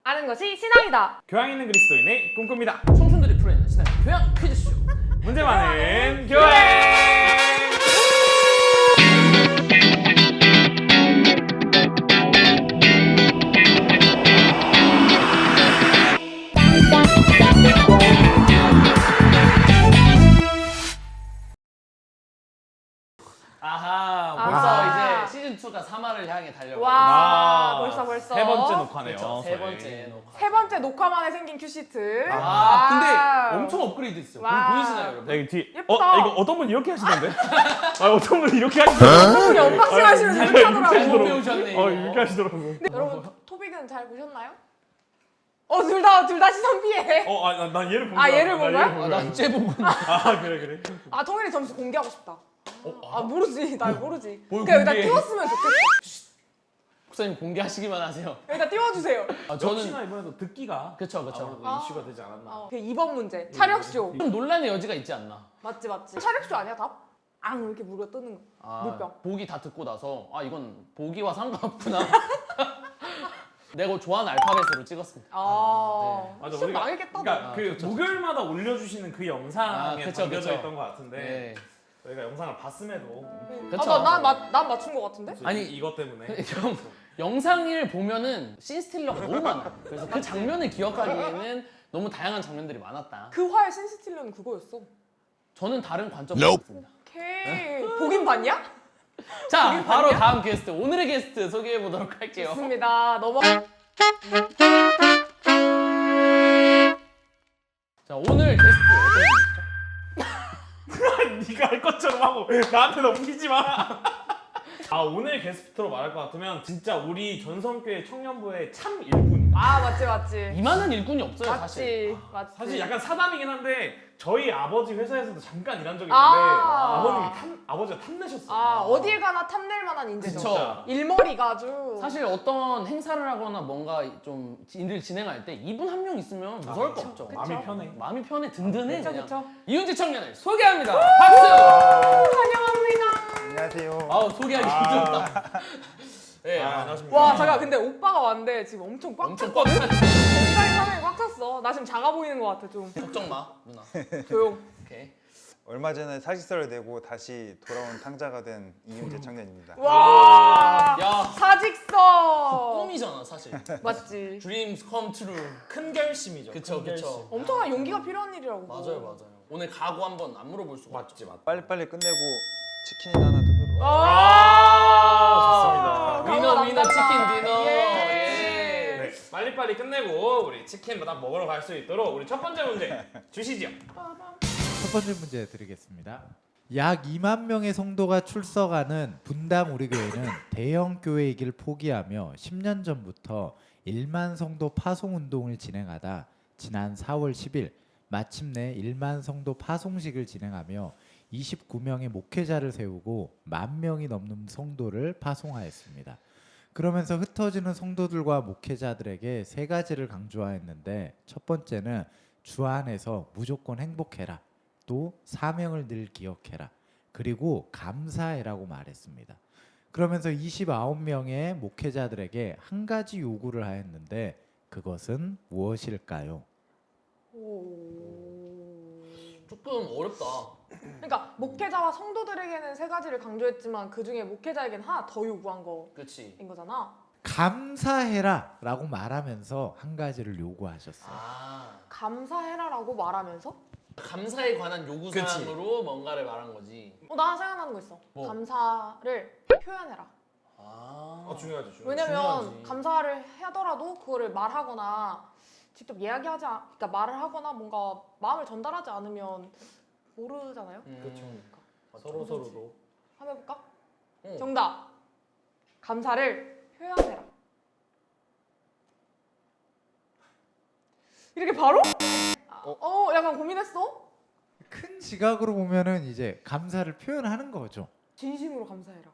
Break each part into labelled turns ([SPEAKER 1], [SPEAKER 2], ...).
[SPEAKER 1] 아는 것이 신앙이다.
[SPEAKER 2] 교양 있는 그리스도인의 꿈꿉니다.
[SPEAKER 3] 청춘들이 풀어내는 신앙 교양 퀴즈쇼.
[SPEAKER 2] 문제 많은 교회.
[SPEAKER 3] 아하,
[SPEAKER 1] 아하.
[SPEAKER 3] 벌써 이제 시즌 2가 3화를 향해 달려가고
[SPEAKER 1] 와,
[SPEAKER 2] 아,
[SPEAKER 1] 벌써.
[SPEAKER 2] 세 번째 녹화네요.
[SPEAKER 3] 그렇죠, 세
[SPEAKER 2] 저희.
[SPEAKER 3] 번째 녹화.
[SPEAKER 1] 세 번째 녹화 만에 생긴 큐시트.
[SPEAKER 3] 근데 엄청 업그레이드 됐어요.
[SPEAKER 1] 와우.
[SPEAKER 3] 보이시나요, 여러분?
[SPEAKER 2] 여기 뒤.
[SPEAKER 1] 예쁘다.
[SPEAKER 2] 이거 어떤 분이 이렇게 하시던데? 어떤 분이 이렇게 하시던데?
[SPEAKER 1] 분이 언박싱 하시면 이렇게 하더라고.
[SPEAKER 3] 잘못 배우셨네, 이거.
[SPEAKER 2] 이렇게 하시더라고.
[SPEAKER 1] 근데 여러분 토빅은 잘 보셨나요? 둘 다 시선 피해.
[SPEAKER 2] 난 얘를 본 거야.
[SPEAKER 1] 얘를 본 거야?
[SPEAKER 3] 난쟤 보고
[SPEAKER 2] 그래.
[SPEAKER 1] 통일이 점수 공개하고 싶다. 모르지. 나 모르지.
[SPEAKER 3] 뭘
[SPEAKER 1] 그냥 여기다
[SPEAKER 3] 공개해?
[SPEAKER 1] 띄웠으면 좋겠어.
[SPEAKER 3] 목사님 공개하시기만 하세요.
[SPEAKER 1] 여기다 띄워주세요.
[SPEAKER 2] 역시나 이번에도 듣기가
[SPEAKER 3] 그쵸.
[SPEAKER 2] 아무래도 이슈가 되지 않았나.
[SPEAKER 1] 그 2번 문제. 차력쇼.
[SPEAKER 3] 좀 논란의 여지가 있지 않나?
[SPEAKER 1] 맞지. 차력쇼 아니야 답? 이렇게 물어 뜨는 거. 물병.
[SPEAKER 3] 보기 다 듣고 나서 이건 보기와 상관없구나. 내가 좋아하는 알파벳으로 찍었습니다.
[SPEAKER 2] 맞아,
[SPEAKER 1] 시험
[SPEAKER 2] 우리가
[SPEAKER 1] 망했겠다.
[SPEAKER 2] 그러니까 그
[SPEAKER 3] 그쵸.
[SPEAKER 2] 목요일마다 올려주시는 그 영상에
[SPEAKER 3] 그쵸.
[SPEAKER 2] 담겨져 있던 것 같은데
[SPEAKER 3] 네.
[SPEAKER 2] 저희가 영상을 봤음에도
[SPEAKER 3] 그쵸.
[SPEAKER 1] 난 맞춘 거 같은데?
[SPEAKER 3] 아니,
[SPEAKER 2] 이것 때문에
[SPEAKER 3] 영상을 보면은 씬스틸러가 너무 많아요. 그래서 그 장면을 기억하기에는 너무 다양한 장면들이 많았다.
[SPEAKER 1] 그 화의 신스틸러는 그거였어.
[SPEAKER 3] 저는 다른 관점으로 봤습니다.
[SPEAKER 1] 오케이. 보긴 봤냐?
[SPEAKER 3] 자, 바로 다음 게스트, 오늘의 게스트 소개해 보도록 할게요.
[SPEAKER 1] 좋습니다.
[SPEAKER 3] 자, 오늘 게스트 어떤 분이시죠?
[SPEAKER 2] 네가 할 것처럼 하고 나한테 넘기지 마. 오늘 게스트로 말할 것 같으면 진짜 우리 전성교회 청년부의 참 일꾼.
[SPEAKER 1] 맞지.
[SPEAKER 3] 이만한 일꾼이 없어요, 사실.
[SPEAKER 1] 맞지.
[SPEAKER 2] 사실 약간 사담이긴 한데 저희 아버지 회사에서도 잠깐 일한 적이 있는데 아버지가 탐내셨어요.
[SPEAKER 1] 어딜 가나 탐낼 만한 인재죠.
[SPEAKER 3] 그쵸.
[SPEAKER 1] 일머리가 아주.
[SPEAKER 3] 사실 어떤 행사를 하거나 뭔가 좀 일을 진행할 때 이분 한 명 있으면 무서울 거 없죠.
[SPEAKER 2] 마음이 편해.
[SPEAKER 3] 마음이 편해, 든든해.
[SPEAKER 1] 그쵸.
[SPEAKER 3] 이은지 청년을 소개합니다. 박수!
[SPEAKER 1] 환영합니다.
[SPEAKER 4] 안녕하세요.
[SPEAKER 3] 소개하기 힘들다. 네,
[SPEAKER 2] 안녕하십니까.
[SPEAKER 1] 와, 잠깐 근데 오빠가 왔는데 지금 엄청 꽉
[SPEAKER 3] 엄청
[SPEAKER 1] 찼거든?
[SPEAKER 3] 꽉 찼.
[SPEAKER 1] 굉장히 화면이 꽉 찼어. 나 지금 작아 보이는 것 같아, 좀.
[SPEAKER 3] 걱정 마, 누나.
[SPEAKER 1] 조용.
[SPEAKER 3] 오케이.
[SPEAKER 4] 얼마 전에 사직서를 내고 다시 돌아온 탕자가 된 이윤재 청년입니다.
[SPEAKER 1] 와,
[SPEAKER 3] 야,
[SPEAKER 1] 사직서.
[SPEAKER 3] 꿈이잖아, 사실.
[SPEAKER 1] 맞지.
[SPEAKER 3] Dreams come true.
[SPEAKER 2] 큰 결심이죠.
[SPEAKER 3] 그쵸.
[SPEAKER 2] 큰 결심.
[SPEAKER 1] 엄청난 용기가 필요한 일이라고.
[SPEAKER 3] 맞아요. 오늘 각오 한번 안 물어볼 수가 없죠.
[SPEAKER 2] 맞지.
[SPEAKER 4] 빨리빨리 끝내고 치킨이나 하나 뜯으러.
[SPEAKER 2] 좋습니다.
[SPEAKER 3] 위너 치킨 디너.
[SPEAKER 1] 예.
[SPEAKER 2] 네, 빨리빨리 끝내고 우리 치킨 딱 먹으러 갈 수 있도록 우리 첫 번째 문제 주시죠.
[SPEAKER 5] 첫 번째 문제 드리겠습니다. 약 2만 명의 성도가 출석하는 분당 우리 교회는 대형 교회이길 포기하며 10년 전부터 1만 성도 파송 운동을 진행하다 지난 4월 10일 마침내 1만 성도 파송식을 진행하며 29명의 목회자를 세우고 10,000명이 넘는 성도를 파송하였습니다. 그러면서 흩어지는 성도들과 목회자들에게 세 가지를 강조하였는데, 첫 번째는 주 안에서 무조건 행복해라, 또 사명을 늘 기억해라, 그리고 감사해라고 말했습니다. 그러면서 29명의 목회자들에게 한 가지 요구를 하였는데 그것은 무엇일까요?
[SPEAKER 3] 조금 어렵다.
[SPEAKER 1] 그러니까 목회자와 성도들에게는 세 가지를 강조했지만 그 중에 목회자에게는 하나 더 요구한 거인
[SPEAKER 3] 그렇지.
[SPEAKER 1] 거잖아.
[SPEAKER 5] 감사해라 라고 말하면서 한 가지를 요구하셨어요.
[SPEAKER 1] 감사해라라고 말하면서?
[SPEAKER 3] 감사에 관한 요구사항으로 뭔가를 말한 거지.
[SPEAKER 1] 나 생각나는 거 있어.
[SPEAKER 3] 뭐?
[SPEAKER 1] 감사를 표현해라.
[SPEAKER 2] 중요하죠.
[SPEAKER 1] 왜냐면
[SPEAKER 3] 중요하지.
[SPEAKER 1] 감사를 하더라도 그거를 말하거나 직접 그러니까 말을 하거나 뭔가 마음을 전달하지 않으면 모르잖아요.
[SPEAKER 2] 그렇죠.
[SPEAKER 3] 맞죠.
[SPEAKER 2] 서로도.
[SPEAKER 1] 한번 해볼까?
[SPEAKER 3] 응.
[SPEAKER 1] 정답. 감사를 표현해라. 이렇게 바로? 약간 고민했어?
[SPEAKER 5] 큰 지각으로 보면은 이제 감사를 표현하는 거죠.
[SPEAKER 1] 진심으로 감사해라.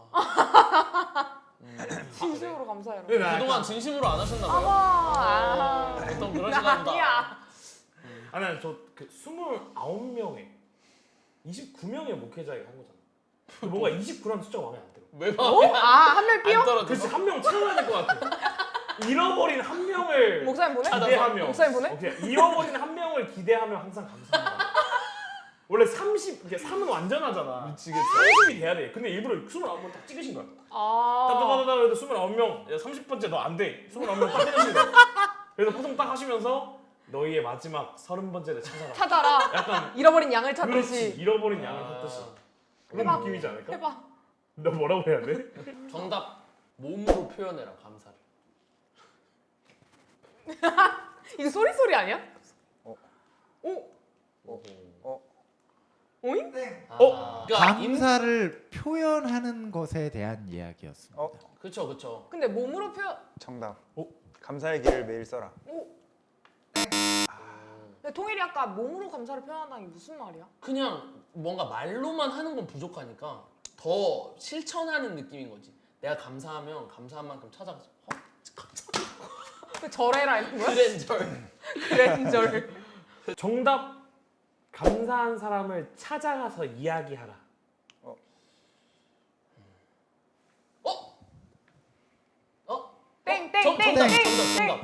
[SPEAKER 1] 진심으로 감사해라.
[SPEAKER 3] 그동안 진심으로 안 하셨나 봐요. 보통 그러시나 보다.
[SPEAKER 1] 아니야.
[SPEAKER 2] 아니 저그 29명에 29명의 목회자에게 한 거잖아. 뭔가 29라는 숫자가 마음에 안 들어.
[SPEAKER 3] 왜 마음에
[SPEAKER 1] 한 명 삐어?
[SPEAKER 3] 안 떨어져?
[SPEAKER 2] 그래서 한 명 채워야 될 것 같아. 잃어버린 한 명을
[SPEAKER 1] 목사님 보내?
[SPEAKER 2] 기대하며
[SPEAKER 1] 목사님 보내?
[SPEAKER 2] 오케이. 잃어버린 한 명을 기대하며 항상 감사합니다. 원래 30, 이게 3은 완전하잖아.
[SPEAKER 3] 미치겠다.
[SPEAKER 2] 30이 돼야 돼. 근데 일부러 29번 딱 찍으신 거야.
[SPEAKER 1] 아.
[SPEAKER 2] 따다다다다 그래도 29명, 30번째 너 안 돼. 29명 딱 찍으신 거야. 그래서 포송 딱 하시면서 너희의 마지막 30번째를 찾아라.
[SPEAKER 1] 찾아라.
[SPEAKER 2] 약간
[SPEAKER 1] 잃어버린 양을
[SPEAKER 2] 그렇지.
[SPEAKER 1] 찾듯이.
[SPEAKER 2] 잃어버린 양을 찾듯이. 그런
[SPEAKER 1] 해봐.
[SPEAKER 2] 느낌이지 않을까?
[SPEAKER 1] 해봐.
[SPEAKER 2] 너 뭐라고 해야 돼?
[SPEAKER 3] 정답. 몸으로 표현해라 감사를.
[SPEAKER 1] 이거 소리 아니야?
[SPEAKER 4] 어.
[SPEAKER 1] 오.
[SPEAKER 4] 어.
[SPEAKER 1] 오잉?
[SPEAKER 3] 그러니까
[SPEAKER 5] 감사를 표현하는 것에 대한 이야기였습니다.
[SPEAKER 4] 어.
[SPEAKER 3] 그쵸.
[SPEAKER 1] 근데 몸으로 표현.
[SPEAKER 4] 정답.
[SPEAKER 2] 어?
[SPEAKER 4] 감사의 길을 매일 써라.
[SPEAKER 1] 오. 근데 통일이 아까 몸으로 감사를 표현한다는 게 무슨 말이야?
[SPEAKER 3] 그냥 뭔가 말로만 하는 건 부족하니까 더 실천하는 느낌인 거지. 내가 감사하면 감사한 만큼 찾아가서
[SPEAKER 1] 그 절해라 이런 거야?
[SPEAKER 3] 그랜절.
[SPEAKER 1] 그랜절.
[SPEAKER 2] 정답. 감사한 사람을 찾아가서 이야기하라.
[SPEAKER 1] 땡땡땡땡땡.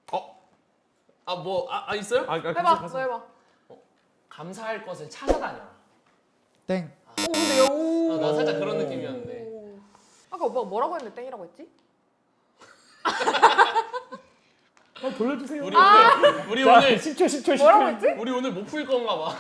[SPEAKER 3] 정답. 있어요?
[SPEAKER 1] 해봐. 너 해봐.
[SPEAKER 3] 감사할 것을 찾아다녀라.
[SPEAKER 5] 땡.
[SPEAKER 1] 오 근데 오.
[SPEAKER 3] 나 살짝 그런 느낌이었는데.
[SPEAKER 1] 아까 오빠가 뭐라고 했는데 땡이라고 했지?
[SPEAKER 2] 돌려주세요.
[SPEAKER 3] 우리 오늘
[SPEAKER 2] 10초.
[SPEAKER 1] 뭐라고 했지?
[SPEAKER 3] 우리 오늘 못 풀 건가 봐.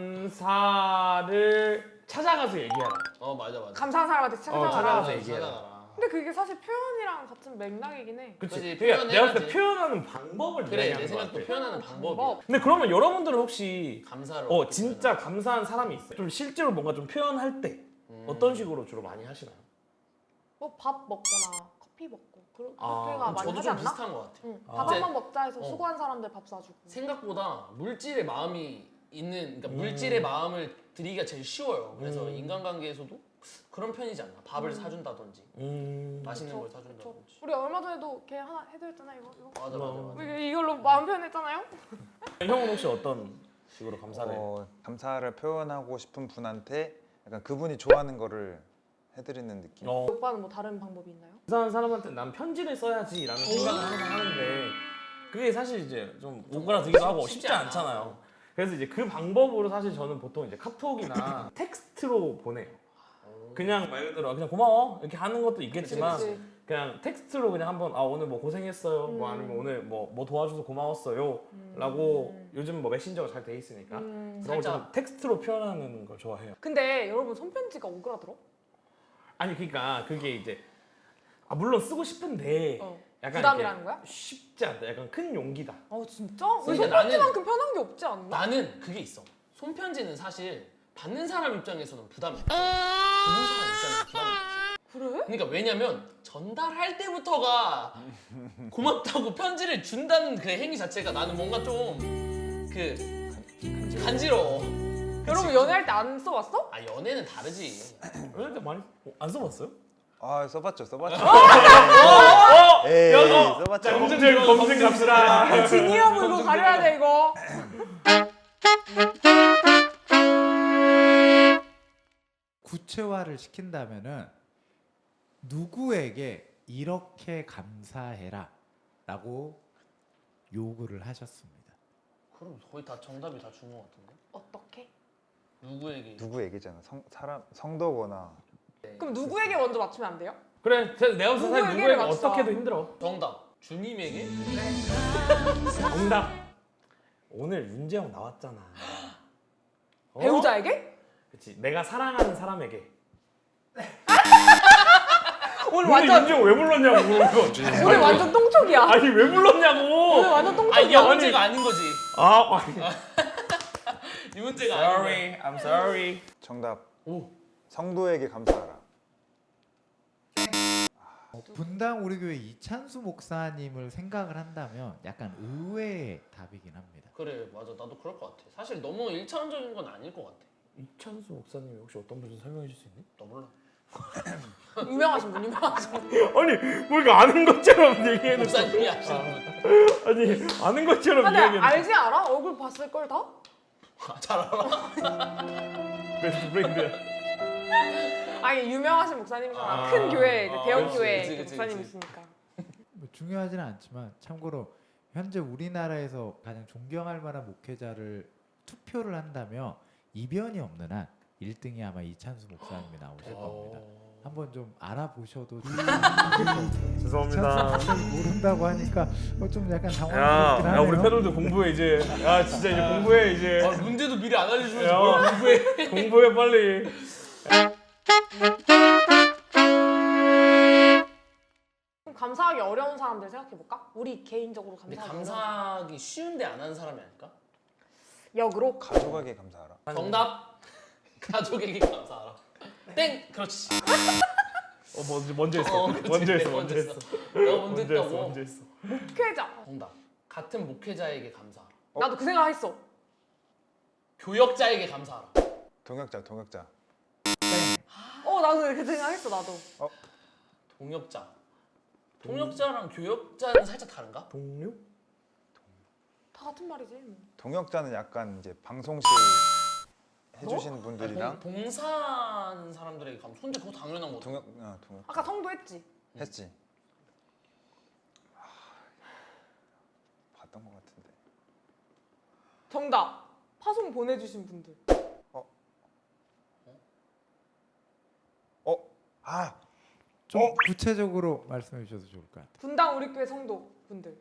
[SPEAKER 2] 감사를 찾아가서 얘기하라.
[SPEAKER 3] 맞아.
[SPEAKER 1] 감사한 사람한테 찾아가라.
[SPEAKER 2] 찾아가서 얘기해라.
[SPEAKER 3] 찾아가라.
[SPEAKER 1] 근데 그게 사실 표현이랑 같은 맥락이긴 해.
[SPEAKER 2] 그치.
[SPEAKER 3] 그치,
[SPEAKER 2] 그러니까 내가 봤을 때
[SPEAKER 3] 표현해야지.
[SPEAKER 2] 표현하는 방법을
[SPEAKER 3] 그래
[SPEAKER 2] 이야기하는
[SPEAKER 3] 내
[SPEAKER 2] 것
[SPEAKER 3] 생각도
[SPEAKER 2] 같아.
[SPEAKER 3] 표현하는 방법이야.
[SPEAKER 1] 방법.
[SPEAKER 2] 근데 그러면 여러분들은 혹시
[SPEAKER 3] 감사를 어떻게
[SPEAKER 2] 진짜 감사한 사람이 있어요? 좀 실제로 뭔가 좀 표현할 때 어떤 식으로 주로 많이 하시나요?
[SPEAKER 1] 뭐 밥 먹거나 커피 먹고 그렇게가
[SPEAKER 2] 아,
[SPEAKER 1] 많이
[SPEAKER 3] 저도
[SPEAKER 1] 하지
[SPEAKER 3] 좀
[SPEAKER 1] 않나?
[SPEAKER 3] 비슷한 것 같아요.
[SPEAKER 1] 응.
[SPEAKER 2] 아.
[SPEAKER 1] 밥 한 번 먹자 해서 수고한 사람들 밥 사주고.
[SPEAKER 3] 생각보다 물질의 마음이 있는 그러니까 물질의 마음을 드리기가 제일 쉬워요. 그래서 인간관계에서도 그런 편이지 않나. 밥을 사준다든지 맛있는 걸
[SPEAKER 1] 그쵸.
[SPEAKER 3] 사준다든지.
[SPEAKER 1] 우리 얼마 전에도 걔 하나 해드렸잖아 이거.
[SPEAKER 3] 맞아.
[SPEAKER 1] 우리 이걸로 마음 표현했잖아요.
[SPEAKER 2] 형은 혹시 어떤 식으로 감사를 해?
[SPEAKER 4] 감사를 표현하고 싶은 분한테 약간 그분이 좋아하는 거를 해드리는 느낌.
[SPEAKER 1] 오빠는 뭐 다른 방법이 있나요?
[SPEAKER 2] 감사한 사람한테 난 편지를 써야지라는 생각을 항상 하는데 그게 사실 이제 좀 오그라들기도 하고 쉽지 않잖아요. 그래서 이제 그 방법으로 사실 저는 보통 이제 카톡이나 텍스트로 보내요. 그냥 말 그대로 그냥 고마워 이렇게 하는 것도 있겠지만
[SPEAKER 1] 그치.
[SPEAKER 2] 그냥 텍스트로 그냥 한번 오늘 뭐 고생했어요 뭐 아니면 오늘 뭐 도와줘서 고마웠어요 라고 요즘 뭐 메신저가 잘 돼 있으니까 그런 걸 좀
[SPEAKER 3] 살짝.
[SPEAKER 2] 텍스트로 표현하는 걸 좋아해요.
[SPEAKER 1] 근데 여러분 손편지가 오그라들어?
[SPEAKER 2] 아니 그러니까 그게 이제 물론 쓰고 싶은데 약간
[SPEAKER 1] 부담이라는
[SPEAKER 2] 이렇게
[SPEAKER 1] 거야?
[SPEAKER 2] 쉽지 않다. 약간 큰 용기다.
[SPEAKER 1] 진짜? 왜
[SPEAKER 3] 그러니까
[SPEAKER 1] 손편지만큼 편한 게 없지 않나?
[SPEAKER 3] 나는 그게 있어. 손편지는 사실 받는 사람 입장에서는 부담이 없어. 주는 사람 입장에서는 부담이 없어.
[SPEAKER 1] 그래?
[SPEAKER 3] 그러니까 왜냐면 전달할 때부터가 고맙다고 편지를 준다는 그 행위 자체가 나는 뭔가 좀 간지러워.
[SPEAKER 1] 여러분 연애할 때 안 써봤어?
[SPEAKER 3] 연애는 다르지.
[SPEAKER 2] 근데 많이 안 써봤어요?
[SPEAKER 4] 써봤죠.
[SPEAKER 2] 어?
[SPEAKER 4] 에이,
[SPEAKER 2] 야,
[SPEAKER 4] 써봤죠.
[SPEAKER 2] 자, 검증 갑시다.
[SPEAKER 1] 진이하고 이거 가려야 돼 이거.
[SPEAKER 5] 구체화를 시킨다면은 누구에게 이렇게 감사해라라고 요구를 하셨습니다.
[SPEAKER 3] 그럼 거의 다 정답이 다 준 것 같은데.
[SPEAKER 1] 어떻게?
[SPEAKER 3] 누구에게?
[SPEAKER 4] 누구에게잖아. 성도거나.
[SPEAKER 1] 그럼 누구에게 먼저 맞추면 안 돼요?
[SPEAKER 2] 그래, 내가 무슨 사실
[SPEAKER 1] 누구에게를
[SPEAKER 2] 누구에게
[SPEAKER 1] 맞춰.
[SPEAKER 2] 어떻게도 힘들어.
[SPEAKER 3] 정답. 주님에게?
[SPEAKER 2] 정답. 오늘 윤재형 나왔잖아.
[SPEAKER 1] 배우자에게?
[SPEAKER 2] 그렇지. 내가 사랑하는 사람에게.
[SPEAKER 1] 오늘
[SPEAKER 2] 오늘
[SPEAKER 1] 완전
[SPEAKER 2] 윤재형 왜 불렀냐고.
[SPEAKER 1] 오늘 완전 똥촉이야.
[SPEAKER 2] 아니 왜 불렀냐고.
[SPEAKER 1] 오늘 완전
[SPEAKER 3] 이게
[SPEAKER 1] 똥촉이야.
[SPEAKER 3] 문제가 아닌 거지. 이 문제가 아닌 거야.
[SPEAKER 2] Sorry, I'm sorry.
[SPEAKER 4] 정답.
[SPEAKER 3] 오.
[SPEAKER 4] 성도에게 감사하라.
[SPEAKER 5] 분당 우리 교회 이찬수 목사님을 생각을 한다면 약간 의외의 답이긴 합니다.
[SPEAKER 3] 그래 맞아 나도 그럴 것 같아. 사실 너무 일차원적인 건 아닐 것 같아.
[SPEAKER 2] 이찬수 목사님이 혹시 어떤 분인지 설명해 줄 수 있니?
[SPEAKER 3] 나 몰라.
[SPEAKER 1] 유명하신 분, 유명하신 분.
[SPEAKER 2] 아니 뭐 이거 아는 것처럼 얘기해놓고.
[SPEAKER 3] 목사님이 하시는 분.
[SPEAKER 2] 아니 아는 것처럼
[SPEAKER 1] 근데
[SPEAKER 2] 이야기해놓고.
[SPEAKER 1] 알지 않아? 얼굴 봤을 걸 다?
[SPEAKER 3] 잘 알아.
[SPEAKER 2] 베스트 프렌드야.
[SPEAKER 1] 아니 유명하신 목사님이잖아.
[SPEAKER 2] 아.
[SPEAKER 1] 큰 교회, 이제 대형
[SPEAKER 2] 그렇지,
[SPEAKER 1] 교회
[SPEAKER 3] 그치, 그치, 그치.
[SPEAKER 1] 목사님이시니까.
[SPEAKER 5] 뭐 중요하지는 않지만 참고로 현재 우리나라에서 가장 존경할 만한 목회자를 투표를 한다면 이변이 없는 한 1등이 아마 이찬수 목사님이 나오실 겁니다. 한번 좀 알아보셔도
[SPEAKER 2] 죄송합니다.
[SPEAKER 5] 모른다고 하니까 좀 약간
[SPEAKER 2] 야,
[SPEAKER 5] 당황스럽긴
[SPEAKER 2] 야 우리
[SPEAKER 5] 하네요.
[SPEAKER 2] 패널들 공부해 이제. 야 진짜 이제 공부해 이제.
[SPEAKER 3] 아, 문제도 미리 안 알려주면서
[SPEAKER 2] 야.
[SPEAKER 3] 뭘 공부해.
[SPEAKER 2] 공부해 빨리.
[SPEAKER 1] 그럼 감사하기 어려운 사람들 생각해볼까? 우리 개인적으로
[SPEAKER 3] 근데
[SPEAKER 1] 감사하기 어려운
[SPEAKER 3] 감사하기 쉬운데 안 하는 사람이 아닐까?
[SPEAKER 1] 역으로
[SPEAKER 4] 가족에게 감사하라.
[SPEAKER 3] 정답. 가족에게 감사하라. 땡. 그렇지.
[SPEAKER 2] 먼저 했어.
[SPEAKER 3] 그렇지.
[SPEAKER 2] 먼저 했어.
[SPEAKER 3] 내가
[SPEAKER 2] 먼저 했어.
[SPEAKER 3] 내가 먼저
[SPEAKER 2] 먼저 했어.
[SPEAKER 3] 했다고.
[SPEAKER 2] 먼저 했어.
[SPEAKER 1] 목회자.
[SPEAKER 3] 정답. 같은 목회자에게 감사하라.
[SPEAKER 1] 나도 그 생각했어.
[SPEAKER 3] 교역자에게 감사하라.
[SPEAKER 4] 동역자, 동역자.
[SPEAKER 1] 나도 그 생각했어 나도.
[SPEAKER 3] 동역자. 동역자랑 교역자는 살짝 다른가?
[SPEAKER 2] 동료?
[SPEAKER 1] 다 같은 말이지. 뭐.
[SPEAKER 4] 동역자는 약간 이제 방송실 해주신 분들이랑
[SPEAKER 3] 봉사하는 사람들에게 감사. 근데 그거 당연한 거다.
[SPEAKER 4] 동역
[SPEAKER 1] 아까 성도 했지.
[SPEAKER 4] 했지. 봤던 것 같은데.
[SPEAKER 1] 정답. 파송 보내주신 분들.
[SPEAKER 5] 좀 구체적으로 말씀해 주셔도 좋을 것 같아요.
[SPEAKER 1] 분당 우리 교회 성도 분들.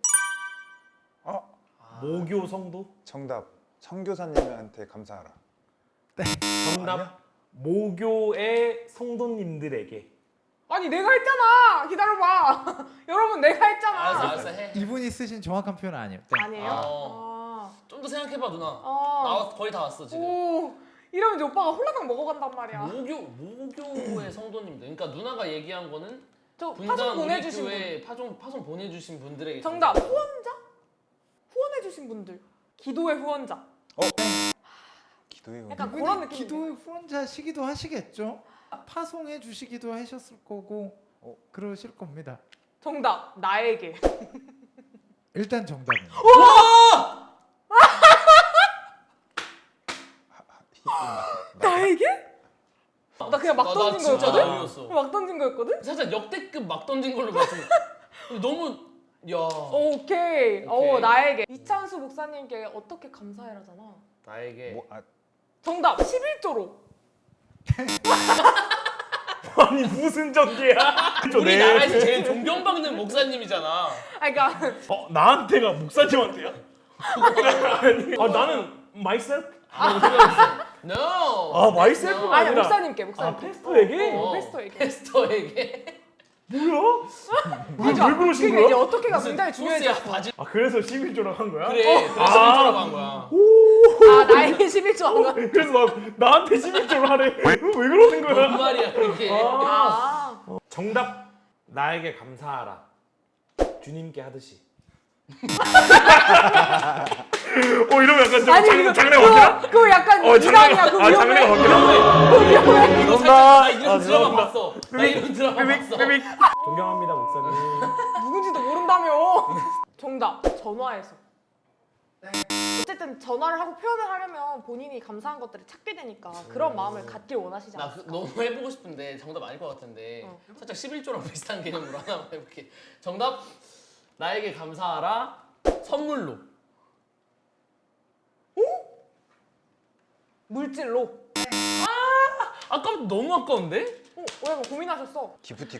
[SPEAKER 2] 모교 성도?
[SPEAKER 4] 정답. 선교사님한테 감사하라.
[SPEAKER 2] 정답.
[SPEAKER 4] 아니야?
[SPEAKER 2] 모교의 성도님들에게.
[SPEAKER 1] 아니 내가 했잖아. 기다려봐. 여러분 내가 했잖아.
[SPEAKER 3] 알았어 해.
[SPEAKER 5] 이분이 쓰신 정확한 표현은 아니에요. 땡.
[SPEAKER 1] 아니에요?
[SPEAKER 3] 아. 좀 더 생각해봐 누나.
[SPEAKER 1] 아.
[SPEAKER 3] 나 거의 다 왔어 지금.
[SPEAKER 1] 오. 이러면 이제 오빠가 홀라당 먹어간단 말이야.
[SPEAKER 3] 모교의 성도님들. 그러니까 누나가 얘기한 거는
[SPEAKER 1] 저 파송
[SPEAKER 3] 분당
[SPEAKER 1] 보내주신 분.
[SPEAKER 3] 우리교회 파송 보내주신 분들에게
[SPEAKER 1] 정답.
[SPEAKER 3] 감사하라.
[SPEAKER 1] 후원자? 후원해주신 분들. 기도의 후원자.
[SPEAKER 4] 기도의
[SPEAKER 1] 약간
[SPEAKER 4] 은혜.
[SPEAKER 1] 그런 느낌.
[SPEAKER 5] 기도의 후원자시기도 하시겠죠. 파송해 주시기도 하셨을 거고 그러실 겁니다.
[SPEAKER 1] 정답. 나에게.
[SPEAKER 5] 일단 정답입니다.
[SPEAKER 1] 나에게? 나 그냥 막
[SPEAKER 3] 나
[SPEAKER 1] 던진
[SPEAKER 3] 진짜
[SPEAKER 1] 거였거든?
[SPEAKER 3] 나이였어.
[SPEAKER 1] 막 던진 거였거든?
[SPEAKER 3] 살짝 역대급 막 던진 걸로 봤어. 너무 야
[SPEAKER 1] 오케이.
[SPEAKER 3] 오케이.
[SPEAKER 1] 나에게. 이찬수 목사님께 어떻게 감사해라잖아.
[SPEAKER 3] 나에게
[SPEAKER 1] 정답. 11조로.
[SPEAKER 2] 아니 무슨 전개야?
[SPEAKER 3] 우리나라에서 제일 존경받는 목사님이잖아.
[SPEAKER 1] 그러니까
[SPEAKER 2] 나한테가 목사님한테야? 아니, 나는 myself?
[SPEAKER 3] No.
[SPEAKER 2] myself?
[SPEAKER 1] 아니
[SPEAKER 2] 아니라
[SPEAKER 1] 목사님께 목사님께.
[SPEAKER 2] 페스토에게?
[SPEAKER 1] 페스토에게.
[SPEAKER 3] 페스토에게.
[SPEAKER 2] 뭐야?
[SPEAKER 1] 그러니까
[SPEAKER 2] 왜 그러신
[SPEAKER 1] 그게
[SPEAKER 2] 거야?
[SPEAKER 1] 이제 어떻게가 굉장히
[SPEAKER 3] 소스야
[SPEAKER 1] 중요해졌어.
[SPEAKER 3] 바질.
[SPEAKER 2] 그래서 11조라고 한 거야?
[SPEAKER 3] 그래. 그래서 1조라고 한 거야.
[SPEAKER 1] 나에게 11조 한 거.
[SPEAKER 2] 그래서 나한테 11조를 하래. 왜 그러는
[SPEAKER 3] 뭔
[SPEAKER 2] 거야?
[SPEAKER 3] 말이야 그게.
[SPEAKER 2] 정답. 나에게 감사하라. 주님께 하듯이. 이러면 약간 좀 장래 어깨나?
[SPEAKER 1] 그거 약간 이상이야. 그거
[SPEAKER 2] 장래
[SPEAKER 1] 위험해.
[SPEAKER 2] 어깨나?
[SPEAKER 3] 이거 살짝 나 이런 드라마
[SPEAKER 2] 죄송합니다.
[SPEAKER 3] 봤어. 나 이런 드라마 봤어.
[SPEAKER 2] 존경합니다 목사님.
[SPEAKER 1] 누군지도 모른다며. 정답. 전화해서. 어쨌든 전화를 하고 표현을 하려면 본인이 감사한 것들을 찾게 되니까 그런 마음을 갖길 원하시지
[SPEAKER 3] 나
[SPEAKER 1] 않을까?
[SPEAKER 3] 너무 해보고 싶은데 정답 아닐 것 같은데 살짝 11조랑 비슷한 개념으로 하나만 해볼게. 정답. 나에게 감사하라. 선물로.
[SPEAKER 1] 물질로.
[SPEAKER 3] 아까부터 너무 아까운데?
[SPEAKER 1] 약간 고민하셨어.
[SPEAKER 4] 기프티콘.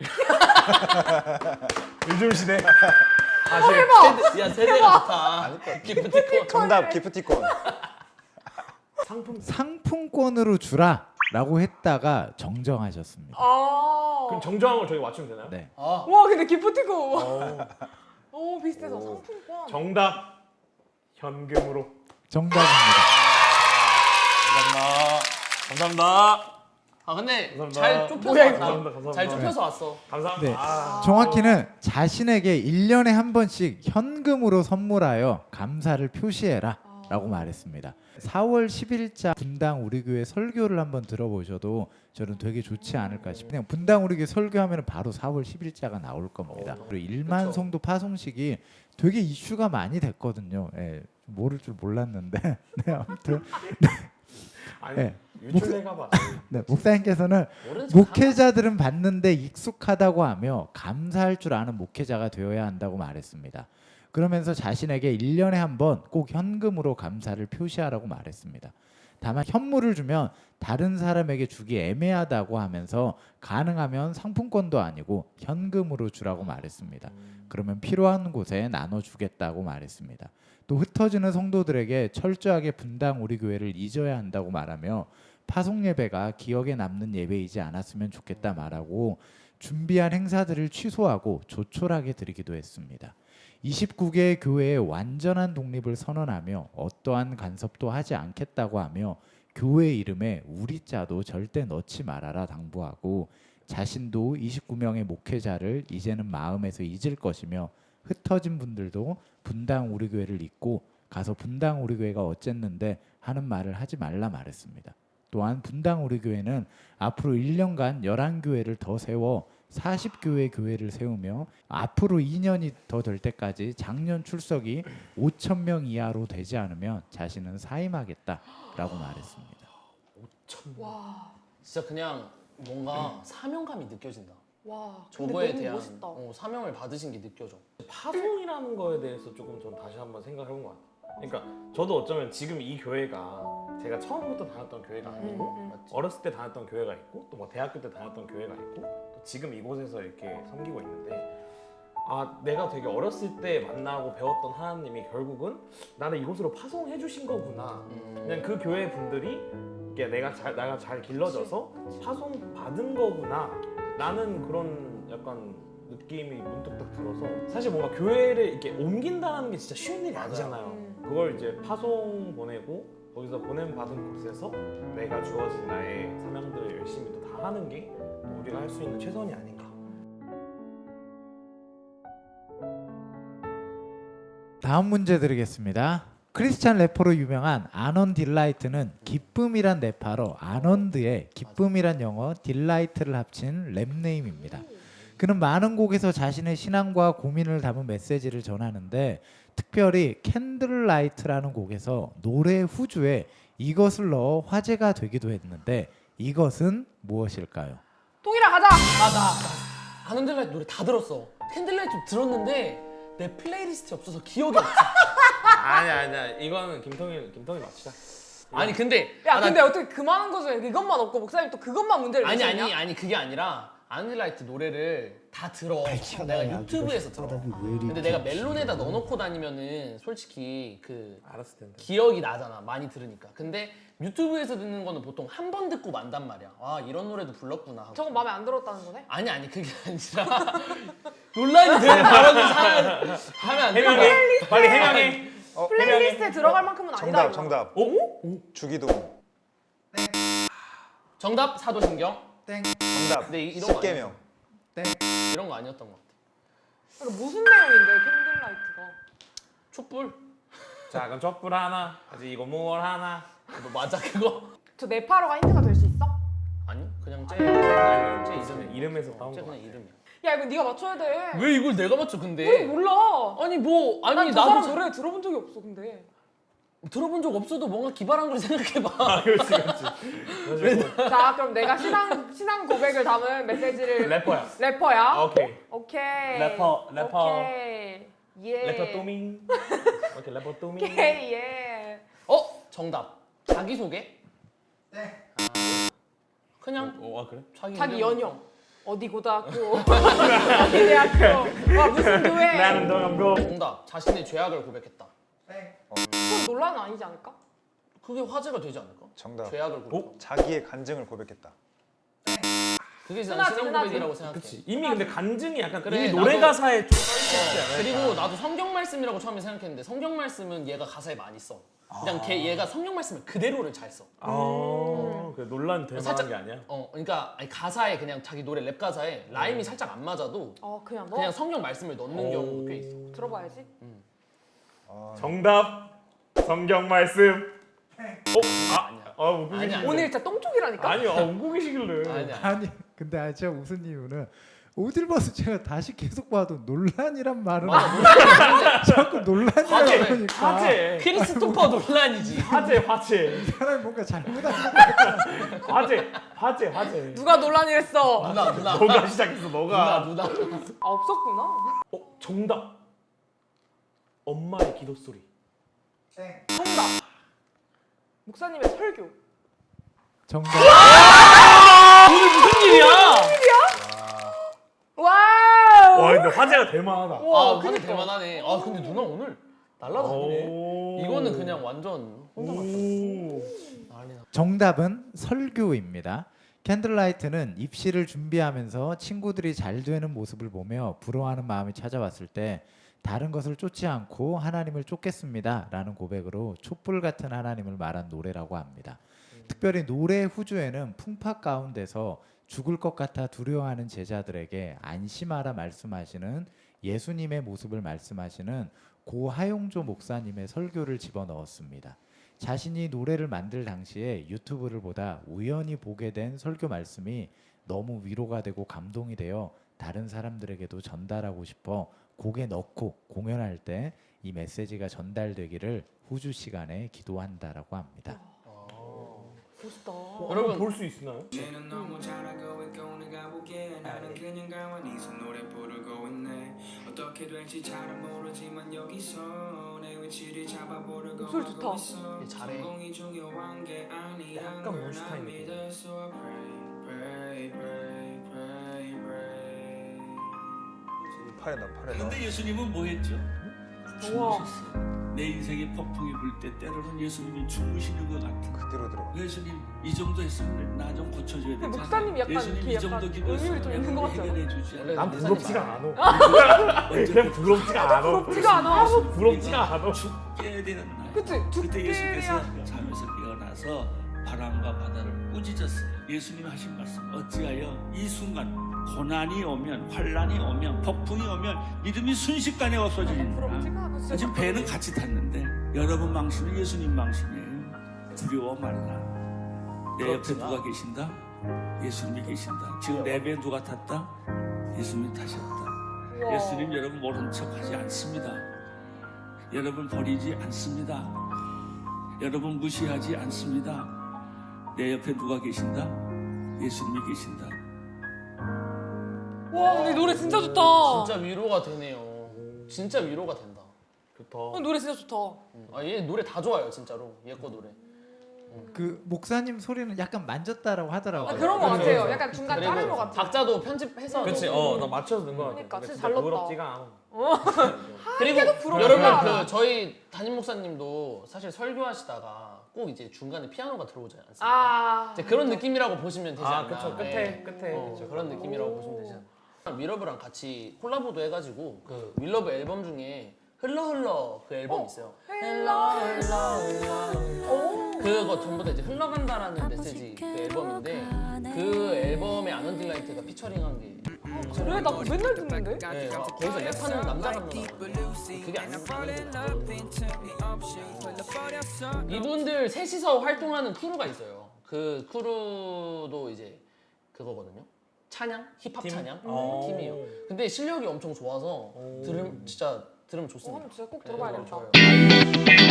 [SPEAKER 2] 요즘 시대.
[SPEAKER 1] 해봐.
[SPEAKER 3] 세대가 좋다. 기프티콘.
[SPEAKER 4] 정답 기프티콘.
[SPEAKER 5] 상품권으로 주라라고 했다가 정정하셨습니다.
[SPEAKER 2] 그럼 정정한 걸 저희 맞추면 되나요?
[SPEAKER 5] 네.
[SPEAKER 1] 와 근데 기프티콘. 비슷해서 상품권.
[SPEAKER 2] 정답. 현금으로.
[SPEAKER 5] 정답입니다.
[SPEAKER 2] 감사합니다.
[SPEAKER 3] 근데
[SPEAKER 2] 감사합니다.
[SPEAKER 3] 잘 좁혀서
[SPEAKER 1] 뭐야,
[SPEAKER 3] 왔다.
[SPEAKER 2] 감사합니다.
[SPEAKER 3] 잘 좁혀서 왔어.
[SPEAKER 2] 감사합니다.
[SPEAKER 5] 네. 정확히는 자신에게 1년에 한 번씩 현금으로 선물하여 감사를 표시해라 라고 말했습니다. 4월 10일자 분당 우리교회 설교를 한번 들어보셔도 저는 되게 좋지 않을까 싶어요. 그냥 분당 우리교회 설교하면 바로 4월 10일자가 나올 겁니다. 그리고 1만
[SPEAKER 3] 그쵸.
[SPEAKER 5] 성도 파송식이 되게 이슈가 많이 됐거든요. 예, 모를 줄 몰랐는데 네, 아무튼
[SPEAKER 2] 아니
[SPEAKER 5] 네.
[SPEAKER 2] 유출해가봐.
[SPEAKER 5] 네, 목사님께서는
[SPEAKER 3] 모르는 척
[SPEAKER 5] 목회자들은 받는데 익숙하다고 하며 감사할 줄 아는 목회자가 되어야 한다고 말했습니다. 그러면서 자신에게 1년에 한 번 꼭 현금으로 감사를 표시하라고 말했습니다. 다만 현물을 주면 다른 사람에게 주기 애매하다고 하면서 가능하면 상품권도 아니고 현금으로 주라고 말했습니다. 그러면 필요한 곳에 나눠주겠다고 말했습니다. 또 흩어지는 성도들에게 철저하게 분당 우리 교회를 잊어야 한다고 말하며 파송 예배가 기억에 남는 예배이지 않았으면 좋겠다 말하고 준비한 행사들을 취소하고 조촐하게 드리기도 했습니다. 29개의 교회의 완전한 독립을 선언하며 어떠한 간섭도 하지 않겠다고 하며 교회 이름에 우리 자도 절대 넣지 말아라 당부하고 자신도 29명의 목회자를 이제는 마음에서 잊을 것이며 흩어진 분들도 분당 우리 교회를 잊고 가서 분당 우리 교회가 어쨌는데 하는 말을 하지 말라 말했습니다. 또한 분당 우리 교회는 앞으로 1년간 11교회를 더 세워 40교회 교회를 세우며 앞으로 2년이 더 될 때까지 작년 출석이 5,000명 이하로 되지 않으면 자신은 사임하겠다라고 말했습니다.
[SPEAKER 1] 와,
[SPEAKER 3] 진짜 그냥 뭔가 사명감이 느껴진다.
[SPEAKER 1] 와. 근데
[SPEAKER 3] 저거에
[SPEAKER 1] 너무
[SPEAKER 3] 대한
[SPEAKER 1] 멋있다.
[SPEAKER 3] 사명을 받으신 게 느껴져.
[SPEAKER 2] 파송이라는 거에 대해서 조금 전 다시 한번 생각해본 것 같아요. 그러니까 저도 어쩌면 지금 이 교회가 제가 처음부터 다녔던 교회가 아니고
[SPEAKER 3] 맞지?
[SPEAKER 2] 어렸을 때 다녔던 교회가 있고 또 뭐 대학교 때 다녔던 교회가 있고 또 지금 이곳에서 이렇게 섬기고 있는데 내가 되게 어렸을 때 만나고 배웠던 하나님이 결국은 나를 이곳으로 파송해 주신 거구나. 그냥 그 교회 분들이 이게 내가 잘 길러져서 파송 받은 거구나. 나는 그런 약간 느낌이 문득 딱 들어서 사실 뭔가 교회를 이렇게 옮긴다는 게 진짜 쉬운 일이 아니잖아요. 그걸 이제 파송 보내고 거기서 보냄 받은 곳에서 내가 주어진 나의 사명들을 열심히 또 다 하는 게 우리가 할 수 있는 최선이 아닌가.
[SPEAKER 5] 다음 문제 드리겠습니다. 크리스찬 래퍼로 유명한 아넌 딜라이트는 기쁨이란 네팔어 아넌드에 기쁨이란 영어 딜라이트를 합친 랩네임입니다. 그는 많은 곡에서 자신의 신앙과 고민을 담은 메시지를 전하는데 특별히 캔들라이트라는 곡에서 노래 후주에 이것을 넣어 화제가 되기도 했는데 이것은 무엇일까요?
[SPEAKER 1] 통일아 가자.
[SPEAKER 3] 나 아넌델라이트 노래 다 들었어. 캔들라이트 들었는데 내 플레이리스트에 없어서 기억이 없어.
[SPEAKER 2] 아니야. 이거는 김통일 맞추자.
[SPEAKER 3] 아니 근데
[SPEAKER 1] 야, 근데 어떻게 그만한 거죠? 이것만 없고 목사님 또 그것만 문제를 내셨냐?
[SPEAKER 3] 아니 그게 아니라 아넌델라이트 노래를 다 들어. 내가 유튜브에서 들어. 근데 내가 멜론에다 넣어놓고 다니면은 솔직히 그
[SPEAKER 2] 알았을 텐데.
[SPEAKER 3] 기억이 나잖아. 많이 들으니까. 근데 유튜브에서 듣는 거는 보통 한 번 듣고 만단 말이야. 아 이런 노래도 불렀구나 하고.
[SPEAKER 1] 저거 마음에 안 들었다는 거네?
[SPEAKER 3] 아니 그게 아니라 논란이 되는 발언을 하면 안 되는 거야.
[SPEAKER 2] 빨리 해명해.
[SPEAKER 1] 플레이리스트에 들어갈 만큼은 아니다. 이거.
[SPEAKER 4] 정답. 주기도문.
[SPEAKER 3] 정답 사도신경.
[SPEAKER 5] 땡.
[SPEAKER 4] 정답.
[SPEAKER 3] 근데 이런 거
[SPEAKER 4] 십계명.
[SPEAKER 5] 땡.
[SPEAKER 3] 이런 거 아니었던 것 같아.
[SPEAKER 1] 그러니까 무슨 내용인데 캔들라이트가?
[SPEAKER 3] 촛불.
[SPEAKER 2] 작은 촛불 하나, 아직 이거 무얼 하나.
[SPEAKER 3] 너 맞아 그거?
[SPEAKER 1] 저 네팔어가 힌트가 될 수 있어?
[SPEAKER 3] 아니 그냥 쟤 이름.
[SPEAKER 2] 이름에서 따온
[SPEAKER 3] 쟤
[SPEAKER 2] 거.
[SPEAKER 3] 그냥 이름이야.
[SPEAKER 1] 야 이거 네가 맞춰야 돼.
[SPEAKER 3] 왜 이걸 내가 맞춰
[SPEAKER 1] 우리
[SPEAKER 3] 근데?
[SPEAKER 1] 몰라.
[SPEAKER 3] 아니 뭐 아니
[SPEAKER 1] 난저
[SPEAKER 3] 나도
[SPEAKER 1] 사람 노래 들어본 적이 없어 근데.
[SPEAKER 3] 들어본 적 없어도 뭔가 기발한 걸 생각해봐.
[SPEAKER 2] 그렇지.
[SPEAKER 1] 자 그럼 내가 신앙 고백을 담은 메시지를
[SPEAKER 2] 래퍼야.
[SPEAKER 1] 래퍼야?
[SPEAKER 2] 오케이.
[SPEAKER 1] 오케이.
[SPEAKER 2] 래퍼.
[SPEAKER 1] 오케이. 예.
[SPEAKER 2] 래퍼 또밍. 오케이, 래퍼 또밍.
[SPEAKER 1] 오케이 예.
[SPEAKER 3] 정답. 자기소개?
[SPEAKER 5] 네.
[SPEAKER 3] 그냥
[SPEAKER 2] 그래?
[SPEAKER 1] 자기
[SPEAKER 3] 이름.
[SPEAKER 1] 연영. 어디 고등학교. 어디 대학교. 와 무슨 교회.
[SPEAKER 2] 나는 동양고.
[SPEAKER 3] 정답. 자신의 죄악을 고백했다.
[SPEAKER 1] 그건 논란은 아니지 않을까?
[SPEAKER 3] 그게 화제가 되지 않을까?
[SPEAKER 4] 정답.
[SPEAKER 3] 죄악을 고백.
[SPEAKER 4] 자기의 간증을 고백했다.
[SPEAKER 3] 그게
[SPEAKER 1] 흔하지,
[SPEAKER 3] 난 신앙
[SPEAKER 1] 흔하지.
[SPEAKER 3] 고백이라고 생각해.
[SPEAKER 2] 그치. 이미 근데 간증이 약간
[SPEAKER 3] 그래,
[SPEAKER 2] 이미 노래
[SPEAKER 3] 나도-
[SPEAKER 2] 가사에 좀 써있지 않아요?
[SPEAKER 3] 그리고 나도 성경 말씀이라고 처음에 생각했는데 성경 말씀은 얘가 가사에 많이 써. 그냥 얘가 성경 말씀을 그대로를 잘 써.
[SPEAKER 2] 그 논란 될 만한
[SPEAKER 3] 살짝-
[SPEAKER 2] 게 아니야?
[SPEAKER 3] 그러니까 아니, 가사에 그냥 자기 노래 랩 가사에 라임이 살짝 안 맞아도
[SPEAKER 1] 그냥 너
[SPEAKER 3] 그냥 성경 말씀을 넣는 경우도 꽤 있어.
[SPEAKER 1] 들어봐야지.
[SPEAKER 2] 정답. 성경 말씀. 웃고
[SPEAKER 3] 아니야.
[SPEAKER 2] 계시길래.
[SPEAKER 1] 오늘 진짜 똥쪽이라니까.
[SPEAKER 2] 아니요, 웃고 계시길래.
[SPEAKER 3] 아니야.
[SPEAKER 5] 아니 근데 진짜 웃은 이유는 오딜버스 제가 다시 계속 봐도 논란이란 말은
[SPEAKER 3] 맞아.
[SPEAKER 5] 자꾸 논란이라고
[SPEAKER 2] 화제,
[SPEAKER 5] 하니까
[SPEAKER 2] 화제,
[SPEAKER 3] 크리스토퍼 논란이지.
[SPEAKER 2] 화제,
[SPEAKER 5] 이 사람이 뭔가 잘못한
[SPEAKER 2] 화제.
[SPEAKER 1] 누가 논란이 했어?
[SPEAKER 3] 누나.
[SPEAKER 2] 너가 시작했어, 너가.
[SPEAKER 3] 누나.
[SPEAKER 1] 아 없었구나.
[SPEAKER 2] 정답. 엄마의 기도 소리.
[SPEAKER 1] 정답. 목사님의 설교.
[SPEAKER 5] 정답.
[SPEAKER 3] 오늘 무슨 일이야?
[SPEAKER 1] 와우.
[SPEAKER 2] 와, 근데 화제가 될 만하다.
[SPEAKER 1] 와,
[SPEAKER 3] 근데
[SPEAKER 1] 그니까.
[SPEAKER 3] 대만하네. 아 근데 누나 오늘 날라다니네.
[SPEAKER 2] 오.
[SPEAKER 3] 이거는 그냥 완전 혼자 맞다.
[SPEAKER 2] 오.
[SPEAKER 3] 난리나.
[SPEAKER 5] 정답은 설교입니다. 캔들라이트는 입시를 준비하면서 친구들이 잘 되는 모습을 보며 부러워하는 마음이 찾아왔을 때 다른 것을 쫓지 않고 하나님을 쫓겠습니다 라는 고백으로 촛불 같은 하나님을 말한 노래라고 합니다. 특별히 노래 후주에는 풍파 가운데서 죽을 것 같아 두려워하는 제자들에게 안심하라 말씀하시는 예수님의 모습을 말씀하시는 고 하용조 목사님의 설교를 집어넣었습니다. 자신이 노래를 만들 당시에 유튜브를 보다 우연히 보게 된 설교 말씀이 너무 위로가 되고 감동이 되어 다른 사람들에게도 전달하고 싶어 곡에 넣고 공연할 때 이 메시지가 전달되기를 후주 시간에 기도한다라고 합니다.
[SPEAKER 1] 멋있다.
[SPEAKER 3] 여러분.
[SPEAKER 2] 볼 수 있나요?
[SPEAKER 6] 쟤는 너무 잘하고 있고 내가 보기에 나는 그냥 가만히서 노래 부르고 있네. 어떻게 될지 잘은 모르지만 여기서 내 위치를 잡아보려고
[SPEAKER 1] 목소리 좋다.
[SPEAKER 6] 하고 있어.
[SPEAKER 3] 얘 잘해.
[SPEAKER 6] 성공이 중요한 게 아니란
[SPEAKER 2] 약간
[SPEAKER 6] 걸
[SPEAKER 2] 몬스타인
[SPEAKER 6] 난
[SPEAKER 2] 느낌.
[SPEAKER 6] 믿어. So I pray, pray, pray, pray, pray.
[SPEAKER 4] 팔에다 팔에다.
[SPEAKER 7] 근데 예수님은 뭐 했죠?
[SPEAKER 1] 우와.
[SPEAKER 7] 주무셨어요. 내 인생에 폭풍이 불 때 때로는 예수님이 주무시는 것 같은.
[SPEAKER 4] 그대로 들어.
[SPEAKER 7] 예수님 이 정도 했으면 나 좀 고쳐줘야 되잖아.
[SPEAKER 1] 목사님이 약간
[SPEAKER 7] 예수님
[SPEAKER 1] 이렇게
[SPEAKER 7] 이 정도
[SPEAKER 1] 약간
[SPEAKER 7] 기도했으면
[SPEAKER 1] 의미를 좀 있는 것 같지 않아?
[SPEAKER 7] 해결해 주지
[SPEAKER 3] 원래
[SPEAKER 7] 않아.
[SPEAKER 2] 난 부럽지가 않아.
[SPEAKER 7] 언제
[SPEAKER 2] 그냥 부럽지가 않아.
[SPEAKER 1] 부럽지가 않아.
[SPEAKER 2] 부럽지가 않아.
[SPEAKER 7] 죽게 되는 날.
[SPEAKER 1] 그치?
[SPEAKER 7] 그때 예수께서
[SPEAKER 1] 죽게야.
[SPEAKER 7] 잠에서 깨어나서 바람과 바다를 꾸짖었어요. 예수님 하신 말씀 어찌하여 이 순간 고난이 오면 환란이 오면 폭풍이 오면 믿음이 순식간에 없어지는가.
[SPEAKER 1] 부럽지가 않아. 진짜.
[SPEAKER 7] 지금 배는 같이 탔는데 여러분 망신은 예수님 망신이에요. 두려워 말라. 내 옆에 누가 계신다? 예수님이 계신다. 지금 내 배에 누가 탔다? 예수님이 타셨다.
[SPEAKER 1] 우와.
[SPEAKER 7] 예수님 여러분 모른 척하지 않습니다. 여러분 버리지 않습니다. 여러분 무시하지 않습니다. 내 옆에 누가 계신다? 예수님이 계신다.
[SPEAKER 1] 와, 근데 노래 진짜 좋다.
[SPEAKER 3] 진짜 위로가 되네요. 진짜 위로가 된다.
[SPEAKER 2] 좋다.
[SPEAKER 1] 노래 진짜 좋다.
[SPEAKER 3] 얘 노래 다 좋아요 진짜로. 얘 거 노래.
[SPEAKER 5] 그 목사님 소리는 약간 만졌다라고 하더라고요.
[SPEAKER 1] 아, 그런 거
[SPEAKER 3] 그렇죠,
[SPEAKER 1] 같아요.
[SPEAKER 3] 그렇죠.
[SPEAKER 1] 약간 중간
[SPEAKER 3] 그리고
[SPEAKER 1] 자른 거 같아.
[SPEAKER 3] 박자도 편집해서.
[SPEAKER 2] 그렇지.
[SPEAKER 3] 넣고.
[SPEAKER 2] 나 맞춰서 넣은 거 같아.
[SPEAKER 1] 그러니까 진짜
[SPEAKER 2] 진짜
[SPEAKER 1] 잘 넣었다.
[SPEAKER 2] 부럽지가 않아.
[SPEAKER 3] 그리고
[SPEAKER 1] 부럽지가
[SPEAKER 3] 여러분
[SPEAKER 1] 않아.
[SPEAKER 3] 그 저희 담임 목사님도 사실 설교하시다가 꼭 이제 중간에 피아노가 들어오지 않습니까?
[SPEAKER 1] 아.
[SPEAKER 3] 이제 그런 느낌이라고 보시면 되지 않나.
[SPEAKER 2] 그쵸.
[SPEAKER 3] 네.
[SPEAKER 2] 끝에. 그쵸.
[SPEAKER 3] 그런 느낌이라고 보시면 되지 않나. 윌러브랑 같이 콜라보도 해가지고 그 윌러브 앨범 중에 흘러 그 앨범 있어요. 그거 전부 다 이제 흘러간다라는 메시지 그 앨범인데 그 앨범에 아넌딜라이트가 피처링한 게.
[SPEAKER 1] 그래, 나 그거 맨날 듣는데?
[SPEAKER 3] 네, 거기서 랩하는 남자가 나와요. 그게 아닌데. 이분들 셋이서 활동하는 크루가 있어요. 그 크루도 이제 그거거든요. 찬양, 힙합
[SPEAKER 2] 팀?
[SPEAKER 3] 찬양
[SPEAKER 2] 팀이요.
[SPEAKER 3] 근데 실력이 엄청 좋아서 진짜 들으면 좋습니다.
[SPEAKER 1] 한번 진짜 꼭
[SPEAKER 3] 네,
[SPEAKER 1] 들어봐야겠다.
[SPEAKER 3] 좋아요.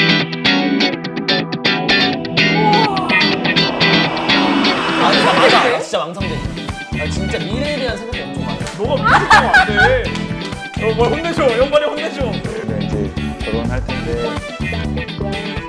[SPEAKER 3] 맞아, 진짜 망상돼. 진짜 미래에 대한 생각이 엄청 많아.
[SPEAKER 2] 너가 무식하면 안 돼. 뭘 혼내줘. 연발이 혼내줘.
[SPEAKER 4] 우리가 이제 결혼할 텐데